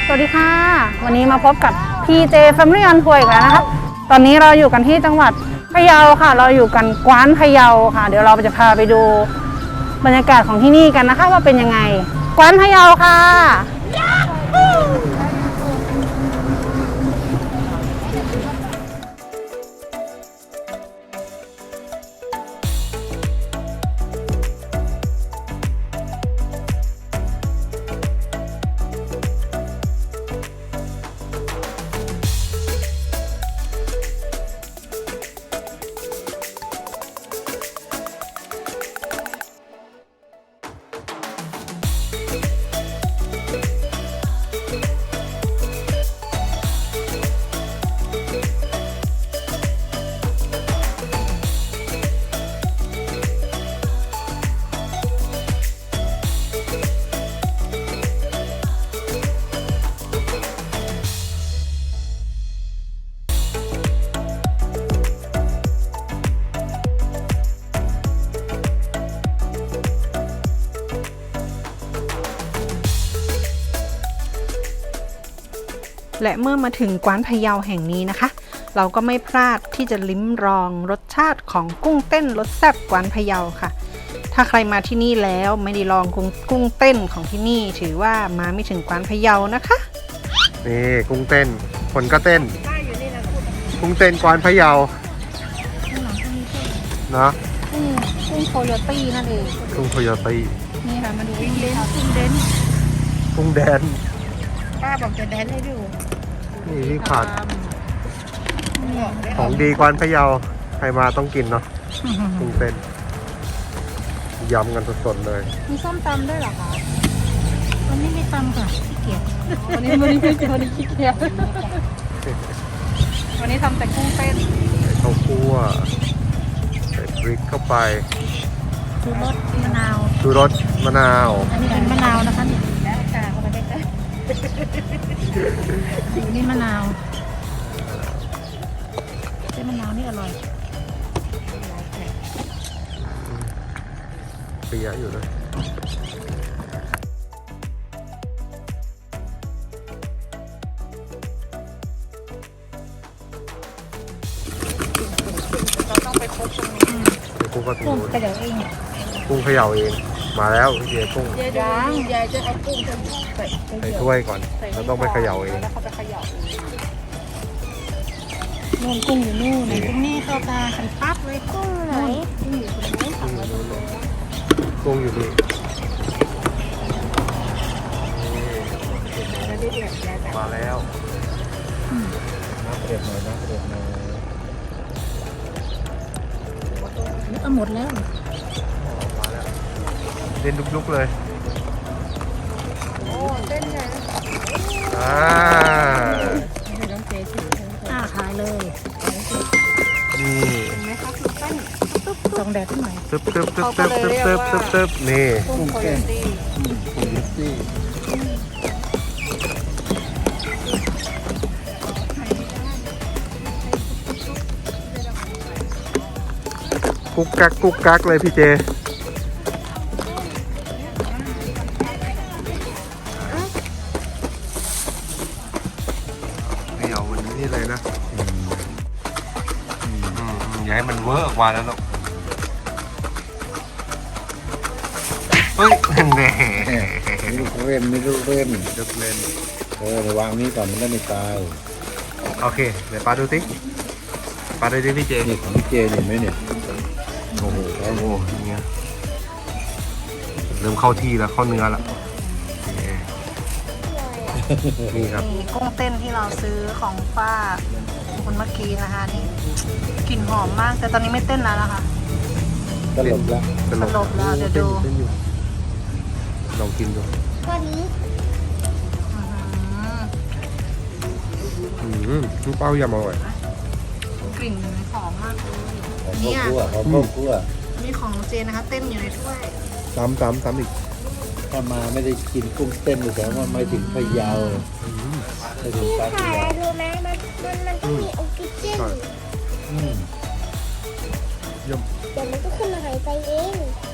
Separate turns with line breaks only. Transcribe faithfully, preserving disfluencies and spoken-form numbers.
สวัสดีค่ะวันนี้มาพบกับ พี เจ Family on Tour อีกแล้วนะคะตอนนี้เราอยู่กันที่จังหวัดพะเยาค่ะเราอยู่กันกวานพะเยาค่ะเดี๋ยวเราจะพาไปดูบรรยากาศของที่นี่กันนะคะว่าเป็นยังไงกวานพะเยาค่ะ
และเมื่อมาถึงกวานพะเยาแห่งนี้นะคะเราก็ไม่พลาดที่จะลิ้มลองรสชาติของกุ้งเต้นรสแซ่บกวานพะเยาค่ะถ้าใครมาที่นี่แล้วไม่ได้ลองกุ้งกุ้งเต้นของที่นี่ถือว่ามาไม่ถึงกวานพะเยานะคะ
นี่กุ้งเต้นคนก็เต้นกุ้งเต้นกวานพะเยาเนาะ
กุ้งกุ้งโคโยตี้นั่นเอง
กุ้งโคโยตี้
นี่ค่ะมาดูกุ้งเด้นกุ้งเด้น
กุ้งแดน
ป้าบอกจะแดนให้ดู
นี่ที่ขาดของดีกวานพะเยาใครมาต้องกินเนาะกุ้งเต้นยำกันสดๆเลย
มีส้มตำด้วยเหรอคะวันนี้ไม่ตำค่ะขี้เกียจวันนี้วันนี้ไม่เจอวันนี้ขี้เกียจวันนี้ทำแต่กุ้งเต้น
ใส่ข้าวคั่วใส่พริกเข้าไป
ชูรสมะนาว
ชูรสมะนาว
อันนี้เป็นมะนาวนะคะนี่แล้วกาเข้าไปได้ไหมนี่มะนาวเส้นมะนาวนี่อร่อย
เปียอยู่เลย
เราต้องไปคบตรงนี้
กุ้งก็
กุ้งเขย่าเอง
กุ้งเขย่าเองมาแล้วพี่เจกุ้ง
ยายยายจะเอากุ้งใส่
ใส่ถ้วยก่อนแล้วต้องไปเขย่าเอง
แล้วเขาไปเขย่านู่นกุ้งอยู่นู่นกุ้งนี่เข้าตาขันปั๊บเลยกุ้งไหนกุ้งอยู่ตรงนี้ถังไว้ตรงนี้
กุ้งอยู่นี่มาแล้วน้ำเดือดหน่อยน้ำเดือดหน่อย
เอาหมดแล้ว
มาแล้วเล่นลุกๆเลย
โอ้เต้นใหญ่
อ่า
ต้องเจ๊ถืออ่าขายเลย
นี่
เห็นไหมคะคือเต้นตึ๊บส่องแดดที่ไหน
ตึ๊บตึ๊บตึ๊บตึ๊บตึ๊บตึ๊บตึ๊บตึ๊บนี่
กุ้งโคโยตี้
กุ้งโคโยตี้กุ๊กกักกุ๊กกักเลยพี่เจไม่เอาวันนี้นี่เลยนะอย่าให้มันเวอร์ออกมาแล้วหรอกเฮ้ยแน่
ลูกเล่นไม่ลูกเล่น
ลูกเล่น
เออวางนี้ก่อนมันได้ไม่ตาย
โอเคเดี๋ยวปาดูสิปาดูดิพี่เจ
นี่ของพี่เจเห็นไหมเนี่ย
โอ้โหโอ้โหอย่างเงี้ยเริ่มเข้าที่แล้วเข้าเนื้อแล้วนี่ครับ
กุ้งเต้นที่เราซื้อของป้าคนเมื่อกี้นะคะนี่กลิ่นหอมมากแต่ตอนนี้ไม่เต้นแล้วนะคะ
สลบแล้ว
สลบแล้วเดี๋ยวดู
ลองกินดู
ตอนนี้
อืมลูกเป้ายำอร่อย
กลิ่นหอมมากเลย
นี่หอมข้าวคั่วหอมข้าวคั่ว
นี่ของเจนะคะเต้นอยู่ในถ้วย
ซ้ำซ้ำซ้ำอีก
ถ้ามาไม่ได้กินกุ้งเต้นแต่ว่าไม่ถึงพะเยาไม่ถึงปา
ที่ถ่ายรู้ไหมมันมันมันต้องมีออกซิเจน
อืม
เดี๋ยวมันก็ขึ้นมาหายใจเอง